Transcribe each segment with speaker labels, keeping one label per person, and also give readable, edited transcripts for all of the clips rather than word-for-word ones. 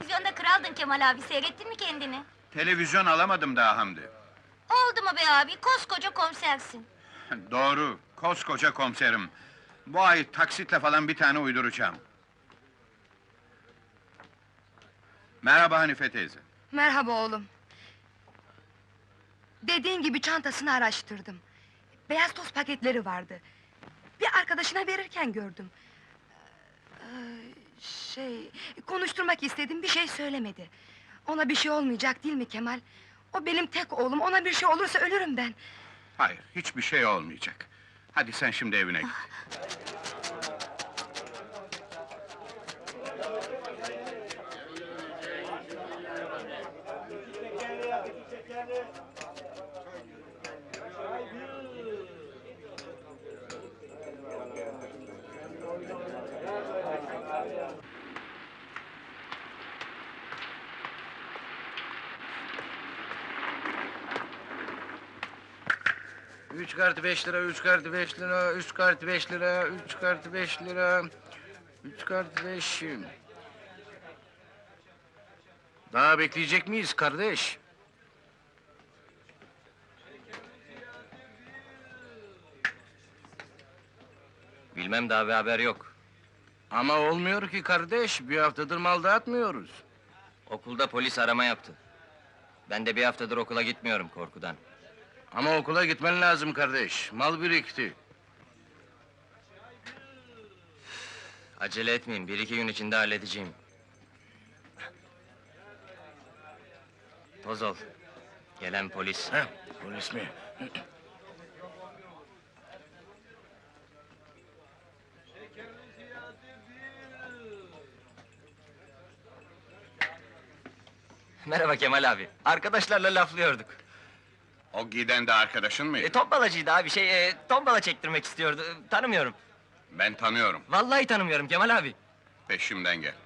Speaker 1: Televizyonda kraldın Kemal abi, seyrettin mi kendini?
Speaker 2: Televizyon alamadım daha Hamdi.
Speaker 1: Oldu mu be abi, koskoca komisersin.
Speaker 2: Doğru, koskoca komiserim. Bu ay taksitle falan bir tane uyduracağım. Merhaba Hanife teyze.
Speaker 3: Merhaba oğlum. Dediğin gibi çantasını araştırdım. Beyaz toz paketleri vardı. Bir arkadaşına verirken gördüm. Konuşturmak istedim, bir şey söylemedi. Ona bir şey olmayacak değil mi Kemal? O benim tek oğlum, ona bir şey olursa ölürüm ben.
Speaker 2: Hayır, hiçbir şey olmayacak. Hadi sen şimdi evine git.
Speaker 4: Üç kartı 5 lira, 3 kartı 5 lira, 3 kartı 5 lira, 3 kartı 5 lira, 3 kartı 5. Daha bekleyecek miyiz kardeş?
Speaker 5: Bilmem, daha bir haber yok.
Speaker 4: Ama olmuyor ki kardeş, bir haftadır mal dağıtmıyoruz.
Speaker 5: Okulda polis arama yaptı. Ben de bir haftadır okula gitmiyorum korkudan.
Speaker 4: Ama okula gitmen lazım kardeş, mal birikti.
Speaker 5: Acele etmeyin, bir iki gün içinde halledeceğim. Toz ol. Gelen polis.
Speaker 4: Heh, polis mi?
Speaker 5: Merhaba Kemal abi. Arkadaşlarla laflıyorduk.
Speaker 2: O giden de arkadaşın mıydı?
Speaker 5: Tombalacıydı abi, tombala çektirmek istiyordu. Tanımıyorum.
Speaker 2: Ben tanıyorum,
Speaker 5: Vallahi tanımıyorum Kemal abi.
Speaker 2: peşimden gel.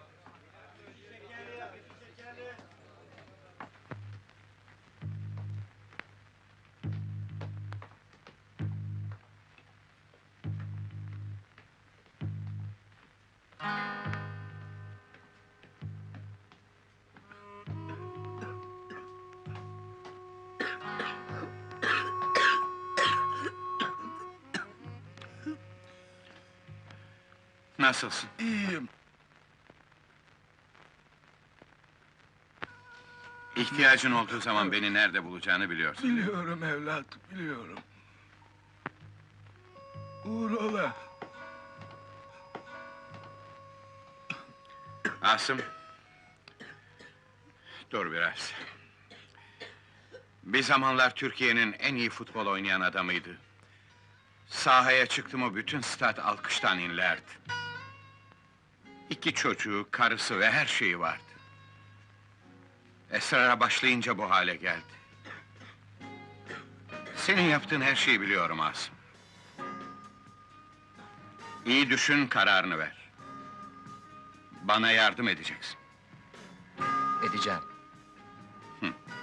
Speaker 2: Nasılsın?
Speaker 4: İyiyim.
Speaker 2: İhtiyacın olduğu zaman beni nerede bulacağını biliyorsun.
Speaker 4: Biliyorum evlat, biliyorum. Uğrola.
Speaker 2: Asım... Dur biraz. Bir zamanlar Türkiye'nin en iyi futbol oynayan adamıydı. Sahaya çıktı mı bütün stat alkıştan inlerdi. 2 çocuğu, karısı ve her şeyi vardı. Esrara başlayınca bu hale geldi. Senin yaptığın her şeyi biliyorum Asım. İyi düşün, kararını ver. Bana yardım edeceksin.
Speaker 5: Edeceğim.